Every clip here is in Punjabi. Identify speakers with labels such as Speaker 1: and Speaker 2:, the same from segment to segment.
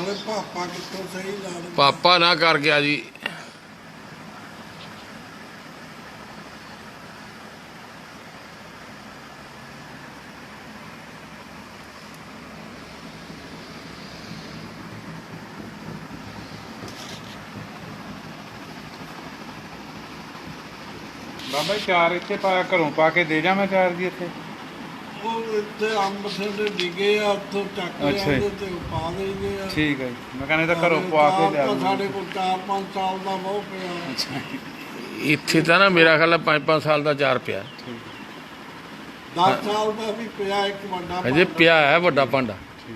Speaker 1: ਨਾਲੇ ਪਾਪਾ ਕਿੱਥੋਂ ਸਹੀ ਲਾ ਦੇ।
Speaker 2: ਪਾਪਾ ਨਾ ਕਰ ਗਿਆ ਜੀ।
Speaker 3: ਬਾਬਾ ਜੀ ਚਾਰ ਇੱਥੇ ਘਰੋਂ ਪਾ ਕੇ ਦੇ ਜਾ ਮੈਂ ਚਾਰ ਜੀ ਇੱਥੇ।
Speaker 1: ਉਹ ਇੱਥੇ ਅੰਬ ਸਾਡੇ ਡਿੱਗੇ ਆ, ਉੱਥੋਂ ਚੱਕ ਲਿਆਉਂਦੇ ਤੇ ਪਾ ਦੇਈਦੇ ਆ।
Speaker 3: ਠੀਕ ਹੈ ਜੀ, ਮੈਂ ਕਹਿੰਦਾ ਤਾਂ ਘਰੋਂ ਪਾ ਕੇ ਲਿਆ।
Speaker 1: ਸਾਡੇ ਕੋਲ 4-5 ਸਾਲ ਦਾ ਬਹੁਤ ਪਿਆ।
Speaker 3: ਅੱਛਾ
Speaker 2: ਇੱਥੇ ਤਾਂ ਨਾ ਮੇਰਾ ਖਿਆਲ 5-5 ਸਾਲ ਦਾ ਚਾਰ ਪਿਆ।
Speaker 1: 10 ਸਾਲ ਦਾ ਵੀ ਪਿਆ ਇੱਕ ਵੱਡਾ
Speaker 2: ਅਜੇ ਪਿਆ ਹੈ ਵੱਡਾ ਭਾਂਡਾ।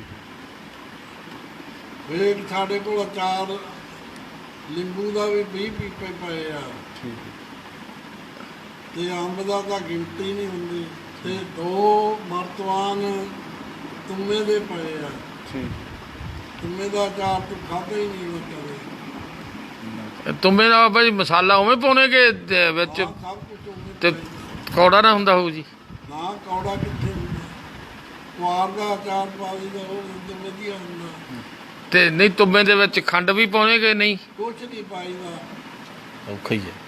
Speaker 1: ਫਿਰ ਸਾਡੇ ਕੋਲ ਅਚਾਰ ਨਿੰਬੂ ਦਾ ਵੀ 20 ਪੀਪੇ ਪਏ ਆ। ਤੇ ਅੰਬ ਦਾ ਤਾਂ ਗਿਣਤੀ ਨਹੀਂ ਹੁੰਦੀ। ਤੇ 2 ਮਰਤਵਾਨ ਤੁੰਮੇ ਦੇ ਪਏ ਆ। ਤੁੰਮੇ ਦਾ ਅਚਾਰ ਤੂੰ ਖਾਧਾ ਹੀ ਨਹੀਂ ਕਦੇ।
Speaker 2: ਤੁੰਬੇ ਦਾ ਬਾਬਾ ਜੀ ਮਸਾਲਾ ਉਵੇਂ ਪਾਉਣੇ ਕਿ ਵਿੱਚ
Speaker 1: ਸਭ ਕੁਝ ਉਵੇਂ
Speaker 2: ਤੇ ਕੌੜਾ ਨਾ ਹੁੰਦਾ ਹੋਊ ਜੀ?
Speaker 1: ਨਾ ਕੌੜਾ ਕਿੱਥੇ ਹੁੰਦਾ। ਕੁਆਰ ਦਾ ਅਚਾਰ ਪਾ ਦਈਦਾ, ਉਹ ਤਾਂ ਵਧੀਆ ਹੁੰਦਾ।
Speaker 2: ਤੇ ਨਹੀਂ ਤੁੰਬੇ ਦੇ ਵਿੱਚ ਖੰਡ ਵੀ ਪਾਉਣੇ ਕਿ ਨਹੀਂ?
Speaker 1: ਕੁਛ ਨਹੀਂ ਪਾਈਦਾ।
Speaker 2: ਔਖਾ ਹੀ ਹੈ।